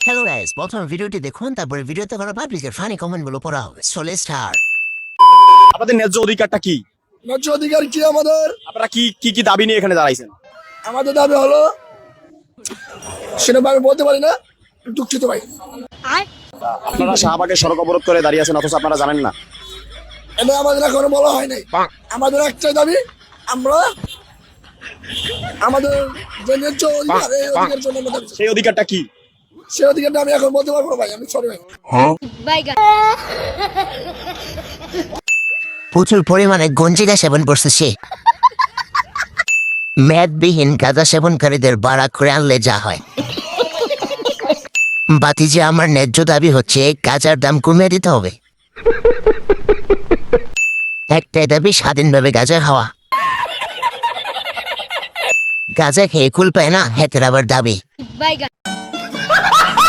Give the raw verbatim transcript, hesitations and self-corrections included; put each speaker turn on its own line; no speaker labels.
Hello guys, প্রথম ভিডিওটি দেখুন, তারপরে ভিডিওতে করা পাবলিকের ফানি কমেন্টগুলো পড়া হবে। So let's start.
আপনাদের ন্যায্য অধিকারটা কি?
ন্যায্য অধিকার কি আমাদের?
আপনারা কি কি কি দাবি নিয়ে এখানে দাঁড়াইছেন?
আমাদের দাবি হলো, সেটা আমি বলতে পারি না, দুঃখিত ভাই।
আপনারা শাহবাগের সড়ক অবরোধ করে দাঁড়িয়ে আছেন, অথচ আপনারা জানেন না।
এটা আমাদের এখনো বলা হয় নাই। আমাদের একটাই দাবি, আমরা আমাদের যে ন্যায্য অধিকার, এই অধিকারের জন্য আমরা দাবি চাই।
সেই অধিকারটা কি?
সেই অধিকারটা আমি এখন বলতে পারবো না ভাই, আমি সরি ভাই।
প্রচুর পরিমাণে গঞ্জিরা সেবন করছে সে। মেদবিহীন গাঁজা সেবনকারীদের বাড়া করে আনলে যা হয়। বাতিজে, আমার ন্যায্য দাবি হচ্ছে গাঁজার দাম কমিয়ে দিতে হবে। একটাই দাবি, স্বাধীনভাবে গাঁজা খাওয়া। গাঁজা খেয়ে কুল পায় না, হেতের আবার দাবি।